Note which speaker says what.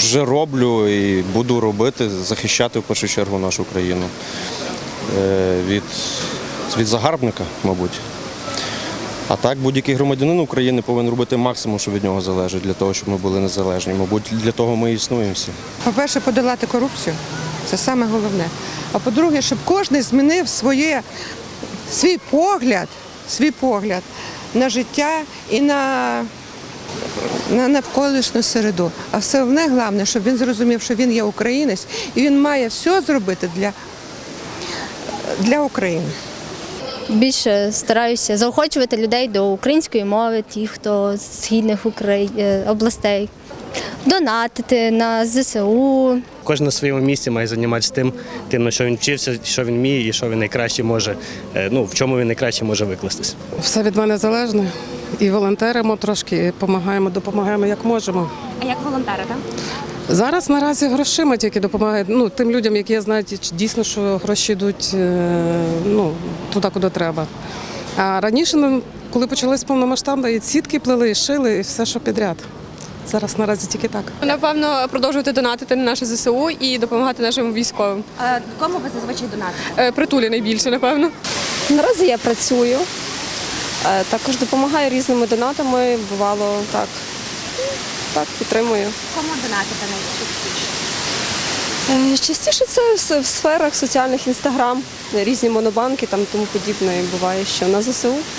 Speaker 1: вже роблю і буду робити, захищати в першу чергу нашу країну від загарбника, мабуть. А так, будь-який громадянин України повинен робити максимум, що від нього залежить, для того, щоб ми були незалежні. Мабуть, для того ми і існуємо всі.
Speaker 2: По-перше, подолати корупцію – це саме головне. А по-друге, щоб кожен змінив свій погляд на життя і на навколишню середу. А все головне, щоб він зрозумів, що він є українець і він має все зробити для України.
Speaker 3: Більше стараюся заохочувати людей до української мови, ті, хто з східних областей, донатити на ЗСУ.
Speaker 4: Кожен на своєму місці має займатися тим, на що він вчився, що він вміє і що він найкраще може, в чому він найкраще може викластись.
Speaker 5: Все від мене залежно. І волонтеримо трошки, і допомагаємо як можемо.
Speaker 6: А як волонтерите?
Speaker 5: Зараз наразі грошима тільки допомагають тим людям, які знають дійсно, що гроші йдуть туди, куди треба. А раніше, коли почалось повномасштабне, і сітки плели, і шили, і все, що підряд. Зараз наразі тільки так.
Speaker 7: Напевно, продовжувати донатити на наше ЗСУ і допомагати нашим військовим.
Speaker 6: А кому ви зазвичай донатите?
Speaker 7: Притулі найбільше, напевно.
Speaker 8: Наразі я працюю, також допомагаю різними донатами, бувало так, підтримую.
Speaker 6: Кому донатите найчастіше?
Speaker 8: Частіше це в сферах соціальних, інстаграм, різні монобанки, тому подібне буває, що на ЗСУ.